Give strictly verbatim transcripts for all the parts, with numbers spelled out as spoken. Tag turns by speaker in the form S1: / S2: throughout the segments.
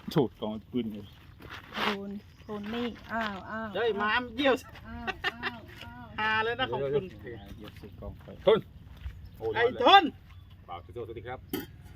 S1: โฉดกองปืนเลย
S2: โคนโคนนี่อ้าวอ้าว
S3: เฮ้ยม้ามเยี่ยว
S2: อ้าวอ้าวอ้าว
S3: หาเลยนะของคุณ
S1: เดี๋ยวใส่กองไฟ
S4: ทุนโอ้
S3: ไอ้
S4: ย
S3: ทน
S4: บ่าวสวัสดีครับ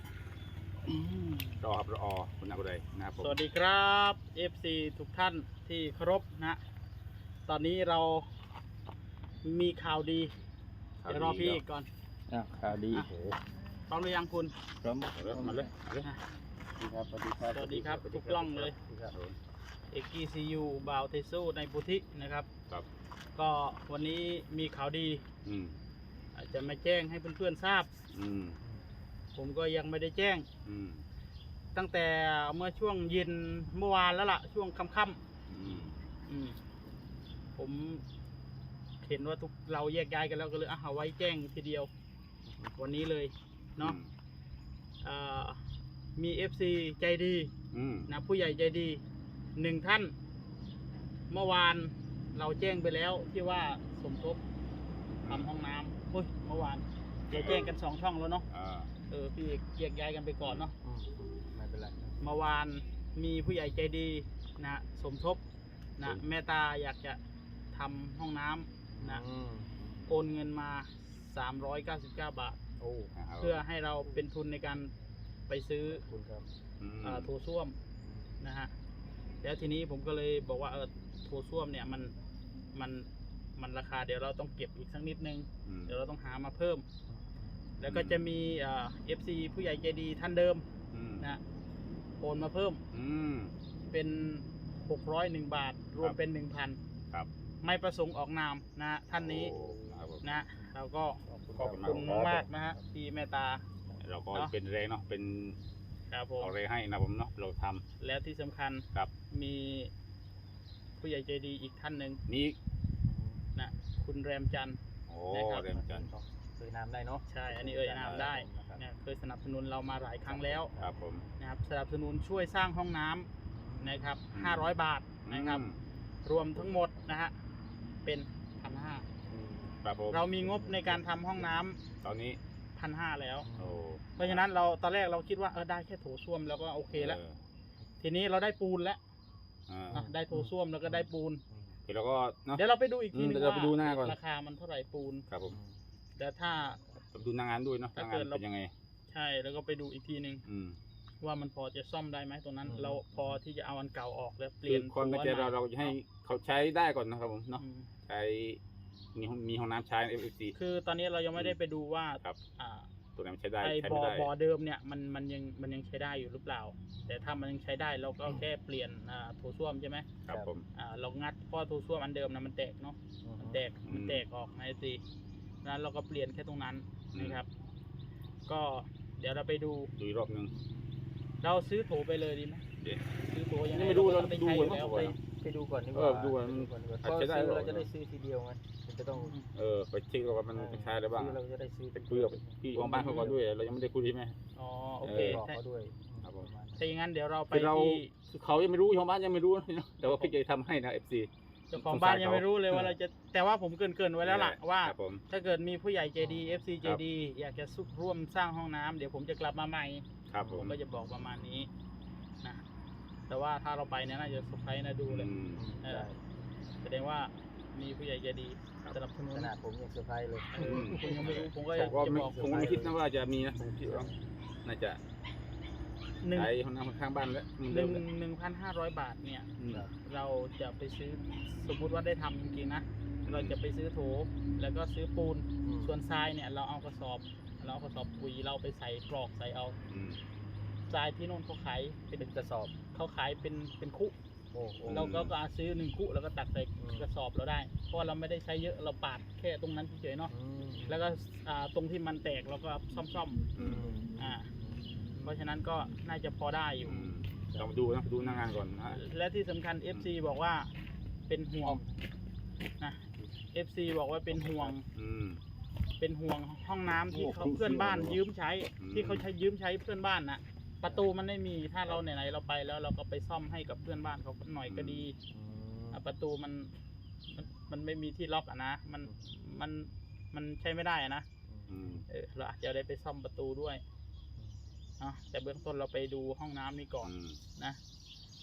S4: รอครับรอคุณอาบุไรนะครับผม
S3: สวัสดีครับ เอฟ ซี ทุกท่านที่เคารพนะ ตอนนี้เรามีข่าวดีเดี๋ยวรอพี่อีกก่อน
S1: อ่ะข่าวดี
S3: อ่ะ พร้อมหรือยังคุณ
S1: พร้อม
S4: เอาเลยมาเลยมาเลย
S1: ครับสวัสดีครับ
S3: สวัสดีครับทุกกล้องเลย เอกกีซียูบาวเทซูในพุทธินะครับ
S4: ครับ
S3: ก็วันนี้มีข่าวดี
S4: อืม
S3: อาจจะมาแจ้งให้เพื่อนๆทราบ
S4: อืม
S3: ผมก็ยังไม่ได้แจ้ง
S4: อืม
S3: ตั้งแต่เมื่อช่วงเย็นเมื่อวานแล้วล่ะ ช่วงค่ำ
S4: อืม
S3: ๆอืมผมเห็นว่าทุกเราแยกย้ายกันแล้วก็เลยอ่ะเอาไว้แจ้งทีเดียว วันนี้เลยเนาะเอ่อมี เอฟ ซี ใจดี
S4: อืม
S3: นะผู้ใหญ่ใจดีหนึ่งท่าน เมื่อวานเราแจ้งไปแล้วที่ว่าสมทบทำห้องน้ำเฮ้ยเมื่อวานเดี๋ยวแจ้งกันสองช่องแล้วเนาะ
S4: อ่า
S3: เออพี่แยกย้ายกันไปก่อนเนาะ
S1: ไม่เป็นไร
S3: เมื่อวานมีผู้ใหญ่ใจดีนะสมทบนะแม่ตาอยากจะทำห้องน้ำนะโอนเงินมาสามร้อยเก้าสิบเก้าบาท
S1: โอ้
S3: เพื่อให้เราเป็นทุนในการไปซื้อ
S1: คุณครับ
S4: อืม
S3: เอ่อโถส้วมนะฮะแล้วทีนี้ผมก็เลยบอกว่าเออโถส้วมเนี่ยมันมันมันราคาเดี๋ยวเราต้องเก็บอีกสักนิดนึง
S4: อืม
S3: เดี๋ยวเราต้องหามาเพิ่ม แล้วก็จะมีเอ่อฟซีผู้ใหญ่ใจดีท่านเดิม
S4: อืม
S3: นะโอนมาเพิ่ม
S4: อืม
S3: เป็นหกร้อยหนึ่งบาท รวม
S4: ครับ
S3: เป็นหนึ่งพัน
S4: ครับ
S3: ไม่ประสงค์ออกนามนะฮะท่านนี้
S4: โอ้นะครับผม
S3: นะเราก็ขอบ
S4: ขอบคุ
S3: คุณ
S4: ณมาก
S3: มากๆนะฮะที่เมตตา
S4: เราก็
S3: เนาะ
S4: เป็นแรงเนาะเป็น
S3: ครับผม
S4: เอาแรงให้นะผมเนาะเราท
S3: แล้วที่สำคัญ
S4: ำครับ
S3: มีผู้ใหญ่ใจดีอีกท่านหนึ่ง
S4: นี่
S3: นะคุณแรมจันทร์
S4: โอ้
S3: นะครับ
S4: เรมจันทร์
S1: เคยน้ำได้เนาะ
S3: ใช่ อันนี้เอ่ยนามได้นะเคยสนับสนุนเรามาหลายครั้งแล้ว
S4: ครับผม
S3: นะครับสนับสนุนช่วยสร้างห้องน้ำนะครับห้าร้อยบาทนะครับ
S4: อืม
S3: รวมทั้งหมดนะฮะเป็นพันห้า
S4: ครับผม
S3: เรามีงบในการทำห้องน้ำ
S4: ตอนนี้
S3: พันห้าแล้ว
S4: โอ้
S3: เพราะฉะนั้นเราตอนแรกเราคิดว่าเออได้แค่โถส้วมแล้วก็โอเคแล้ว
S4: ออ
S3: ทีนี้เราได้ปูนแล้ว
S4: อ่า
S3: อ่ะได้โถส้วมแล้วก็ได้ปูน
S4: เดี๋ยวเราก็เนาะ
S3: เดี๋ยวเราไปดูอีกที
S4: อืม
S3: นึง
S4: เดี๋ยวเรา
S3: ว่า
S4: ไปดูหน้าก่อน
S3: ราคามันเท่าไหร่ปูน
S4: ครับผม
S3: แต่ถ้า
S4: ไปดูหนางานด้วยเนาะห
S3: ถ้า
S4: น้างา
S3: เกิ
S4: น
S3: ดเรา
S4: เป็นยังไง
S3: ใช่แล้วก็ไปดูอีกทีนึง
S4: อืม
S3: ว่ามันพอจะซ่อมได้ไหมตรงนั้น เราพอที่จะเอาอันเก่าออกแล้วเป
S4: คื
S3: ลี่ย
S4: อน ความตั้งใจเราเราจะให้เขาใช้ได้ก่อนนะครับผมเนาะ
S3: อืม
S4: ใช้มีห้องมีห้องน้ำใช้ เอฟ เอฟ ซี
S3: คือตอนนี้เรายังไม่ได้ไปดูว่า
S4: ครับ
S3: อ่า
S4: ตัวไหนมันใช้ได้
S3: ไอ้
S4: ใช้
S3: บ่
S4: ไม่
S3: อ
S4: ได้
S3: บ่อเดิมเนี่ยมันมันยังมันยังใช้ได้อยู่หรือเปล่า แต่ถ้ามันยังใช้ได้เราก็แค่เปลี่ยนอ่าโถส้วมใช่ไหม
S4: ครับผม
S3: อ่าเรางัดเพราะโถส้วมอันเดิมนะมันแตกเนาะมันแตก
S4: อืม
S3: มันแตกออกนะสินั้นเราก็เปลี่ยนแค่ตรงนั้นนะครับ ก็เดี๋ยวเราไปดู
S4: ดูอีกรอบหนึง
S3: เราซื้อโถไปเลยดีไหม
S4: เดี๋ยว
S3: ซื้อโถยังไง
S4: ไม่รู้
S3: ก็
S4: เรา
S3: ต้องไป
S4: ดู
S3: ใช้อยู่
S4: ก่อน
S3: แล้ว
S4: ว่า
S3: ไป
S1: ไปดูก่อนดีก
S4: เอ
S1: ว่า
S4: อดูก่อน
S1: ดูก่อนดีกว่า
S4: อาจ
S1: เพราะ
S4: จะได้
S1: ซื้อ
S4: หรอ
S1: เราจะได้ซื้อทีเดียวไงมันจะต้อง
S4: เออไปเช็คดูว่ามันใช้อะไรบ้าง
S1: ซื้อเราจะได้ซื้อ
S4: ไปคุยกับพี่ของบ้านเขาก่อนด้วย เรายังไม่ได้คุยใช่ไหม
S3: อ๋อโอเค
S1: บอก
S3: ถ้า
S1: เขาด้วย
S4: ครับผม
S1: ประมาณนั้น
S3: ถ้าอย่างนั้นเดี๋ยวเราไป
S4: คือเรา
S3: ที่
S4: เขายังไม่รู้ของบ้านยังไม่รู้นะแต่ว่าพี่จะทำให้นะ เอฟ ซี
S3: เจ้าของบ้านยังไม่รู้เลยว่าเราจะแต่ว่าผมเกรินเกินๆไว้แล้วล่ะว่า
S4: ครับผม
S3: ถ้าเกิดมีผู้ใหญ่ใจดี เอฟ ซี ใจ
S4: ครับ
S3: ดี อยากจะซุกร่วมสร้างห้องน้ำเดี๋ยวผมจะกลับมาใหม่
S4: ครับผ
S3: ผม มก็จะบอกประมาณนี้นะแต่ว่าถ้าเราไปเนี่ยน่าจะเซอร์ไพรส์นะดูเลย
S4: อืม
S3: เออ แสดงว่ามีผู้ใหญ่ใจดีสนับสนุน
S1: ขนาดผมยังเซอร์ไพรส์เลย
S3: เออผมยังไม่รู้ผมก็
S4: ผม
S3: จะ
S4: ก็ไม่
S3: บอก
S4: ผมก็ไม่คิดนะว่าจะมีนะผมคิดว่าน่าจะ
S3: หนึ่ง
S4: ใช้ห้องน้ำข้างบ้านแล้วมัน
S3: ห
S4: เดิ
S3: นึ่ง
S4: มแล้ว
S3: หนึ่งพันห้าร้อยบาทเนี่ย
S4: อืม
S3: เราจะไปซื้อสมมุติว่าได้ทำจริงๆนะ เราจะไปซื้อโถแล้วก็ซื้อปูน ส่วนทรายเนี่ยเราเอากระสอบ เราเอากระสอบปุ๋ยเราไปใส่กรอกใส่เอา
S4: อืม
S3: ทรายที่โน่นเขาขายเป็น
S1: เป็นกระสอบ
S3: เขาขายเป็นเป็นคุ
S1: โอ้โห
S3: เราก็ก็ซื้อหนึ่งคุแล้วก็ตักใส่
S1: อืม
S3: กระสอบเราได้ เพราะว่าเราไม่ได้ใช้เยอะเราปาดแค่ตรงนั้นเฉยๆเนาะ
S1: อืม
S3: แล้วก็อ่าตรงที่มันแตกเราก็ซ่อม
S4: อืม
S3: ๆอ่าเพราะฉะนั้นก็น่าจะพอได้อยู่
S4: อืมเรามาดูนะดูหน้างานก่อนนะ
S3: และที่สำคัญ เอฟ ซี บอกว่าเป็นห่วงนะ เอฟ ซี บอกว่าเป็นห่วง
S4: อืม
S3: เป็นห่วงห้องน้ำที่
S4: โอ้
S3: เขา
S4: ครู
S3: เพื่อนบ้าน
S4: เสี่ยว
S3: ยืมใช้
S4: อืม
S3: ที่เขาใช้ยืมใช้เพื่อนบ้านนะประตูมันไม่มีถ้าเราไหนๆเราไปแล้วเราก็ไปซ่อมให้กับเพื่อนบ้านเขาหน่อยก็ดี
S1: อืม
S3: อ่ะประตูมันมันมันไม่มีที่ล็อกอ่ะนะมันมันมันใช้ไม่ได้อ่ะนะ
S4: อืม
S3: เออเราอาจจะได้ไปซ่อมประตูด้วยเนาะแต่เบื้องต้นเราไปดูห้องน้ำนี่ก่อน
S4: อืม
S3: นะ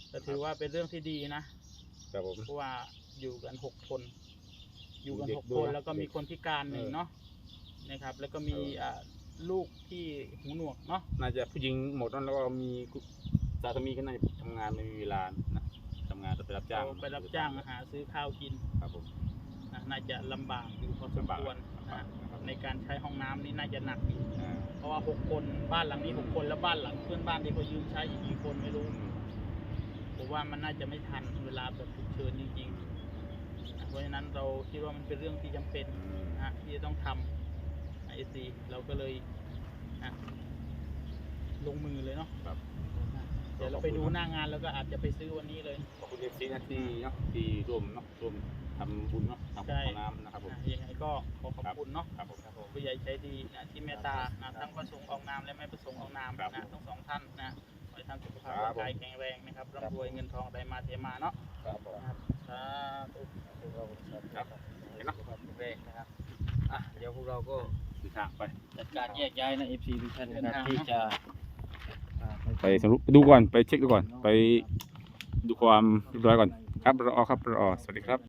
S3: ก็ถือว่าเป็นเรื่องที่ดีนะครับ
S4: ผม
S3: เพราะว่าอยู่กันหกคน อยู่กัน
S4: เด็ก
S3: หก
S4: ด้
S3: ค
S4: วย
S3: น
S4: นะ
S3: แล้วก็มีคนพิการหนึ่ง
S4: เออ
S3: เนาะนะครับ แล้วก็มี
S4: เอออ่
S3: อ่าลูกที่หูหนวกเนาะ
S4: น่าจะผู้หญิงหมดนั่นแล้วก็มีสามีก็น่าจะทำงานไม่มีเวลานะทำงานไปรับจ้าง
S3: ไปรับจ้างหาซื้อข้าวกิน
S4: ครับผม
S3: นะน่าจะลำบากอยู่พอสม
S4: ลำบาก
S3: ควร
S4: ลำบาก
S3: นะ
S4: นะครับ
S3: ในการใช้ห้องน้ำนี่น่าจะหนักอยู่
S4: อ่า
S3: เพราะว่าหกคนบ้านหลังนี้หกคนแล้วบ้านหลังเพื่อนบ้านที่เขายืมใช้อีกกี่คนไม่รู้
S4: อืม
S3: ผมว่ามันน่าจะไม่ทันเวลาแบบฉุกเฉินจริงๆนะเพราะฉะนั้นเราคิดว่ามันเป็นเรื่องที่จำเป็น
S4: อืม
S3: นะที่จะต้องทำไอซีเราก็เลยนะลงมือเลยเนาะ
S4: ครับ
S3: เดี๋ยวเราไปดูหน้างานแล้วก็อาจจะไปซื้อวันนี้เลย
S4: ขอบคุณเอฟซีนะที่เนาะที่ร่วมเนาะร่วมทำบุญเนาะทำบุญ
S3: ใช่
S4: ของน้ำนะครับผม
S3: นะยังไงก็ขอขอบคุณเนาะ
S4: ครับผมครับผม
S3: ผู้ใหญ่ใจดีนะที่เมตตานะทั้งประสงค์ออกนามและไม่ประสงค์ออกนาม
S4: ครับ
S3: นะทั้งสองท่านนะขอให้ท่านสุขภาพ
S4: ครั
S3: ร่า
S4: บ
S3: งกายแข็งแรงนะครับร่ำรวยเงินทองได้มาเทมาเนาะ
S4: ครับผม
S3: นะครับสาธุ
S1: พวกเรา
S4: ครับเห็นเนาะ
S1: สุขภาพแข็งแรงนะครับอ่ะเดี๋ยวพวกเราก็
S4: ติดทางไป
S1: จัดการแยกย้ายนะ เอฟ ซี ทุกท่านนะค
S3: เดิ
S1: รับ
S3: นทาง
S1: ที่จะอ่า
S4: ไปสรุปดูก่อนไปเช็คดูก่อน ไปดูความเรียบร้อยก่อนครับรอครับรอสวัสดีครับ